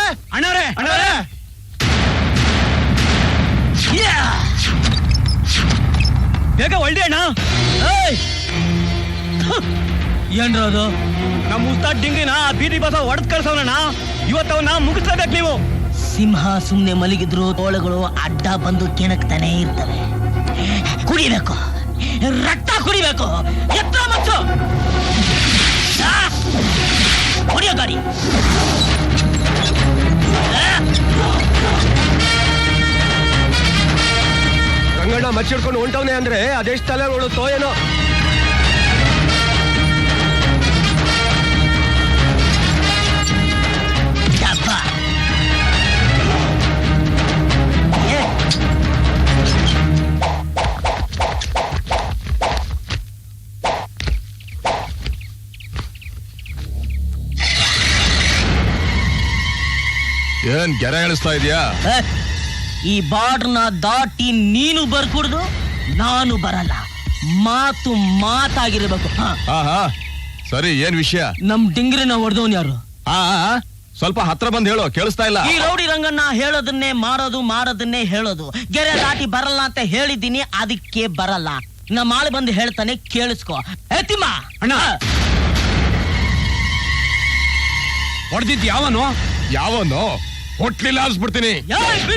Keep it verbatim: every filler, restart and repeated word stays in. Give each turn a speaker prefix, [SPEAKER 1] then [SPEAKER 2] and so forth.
[SPEAKER 1] ಅಣ್ಣವ್ರೆ ಅಣ್ಣವ್ರೆ ಬೇಗ ಒಳ್ಳೆ ಅಣ್ಣ. ಏನ್ರ ಅದು ನಮ್ಮ ಉಸ್ತಾದ್ ಡಿಂಗಿನ ಬೀದಿ ಬಸ ಹೊಡೆದ್ ಕಳ್ಸವನಣ್ಣ. ಇವತ್ತವನ್ನ ಮುಗಿಸ್ಲೇಬೇಕು ನೀವು.
[SPEAKER 2] ಸಿಂಹ ಸುಮ್ನೆ ಮಲಗಿದ್ರು ತೋಳುಗಳು ಅಡ್ಡ ಬಂದು ಕೆಣಕ್ತಾನೆ ಇರ್ತವೆ. ಕುಡಿಬೇಕು, ರಕ್ತ ಕುಡಿಬೇಕು. ಎತ್ತ ಮಚ್ಚು ಹೊಡಿಯೋ ಗಾಡಿ.
[SPEAKER 3] ರಂಗಣ್ಣ ಮಚ್ಚಿಡ್ಕೊಂಡು ಹೊಂಟವನೆ ಅಂದ್ರೆ ಅದೆಷ್ಟು ತಲೆ ನೋಡುತ್ತೋ ಏನೋ.
[SPEAKER 4] ಏನ್ ಗೆರೆ ಎಳಿಸ್ತಾ ಇದೀಯಾ?
[SPEAKER 2] ಈ ಬಾರ್ಡ್ರನ್ನ ದಾಟಿ ನೀನು ಬರ್ಕೂಡ್ದು, ನಾನು ಬರಲ್ಲ. ಮಾತು ಮಾತಾಗಿರ್ಬೇಕು.
[SPEAKER 4] ಹಾ ಸರಿ, ಏನ್ ವಿಷಯ?
[SPEAKER 2] ನಮ್ ಡಿಂಗ್ರಿನ ಹೊಡೆದವನ್ ಯಾರು?
[SPEAKER 4] ಹಾ ಸ್ವಲ್ಪ ಹತ್ರ ಬಂದ್ ಹೇಳು, ಕೇಳಿಸ್ತಾ ಇಲ್ಲ.
[SPEAKER 2] ಈ ರೌಡಿ ರಂಗನ್ನ ಹೇಳೋದನ್ನೇ ಮಾಡೋದು, ಮಾಡೋದನ್ನೇ ಹೇಳೋದು. ಗೆರೆ ದಾಟಿ ಬರಲ್ಲ ಅಂತ ಹೇಳಿದ್ದೀನಿ, ಅದಕ್ಕೆ ಬರಲ್ಲ. ನಮ್ಮ ಆಳು ಬಂದು ಹೇಳ್ತಾನೆ, ಕೇಳಿಸ್ಕೊ. ಎತ್ತಿಮ್ಮ
[SPEAKER 1] ಅಣ್ಣ, ಹೊಡೆದಿದ್ ಯಾವನು?
[SPEAKER 4] ಯಾವನು? ಹೊಟ್ಲಿಲ್ಲ ಅನ್ಸ್ಬಿಡ್ತೀನಿ.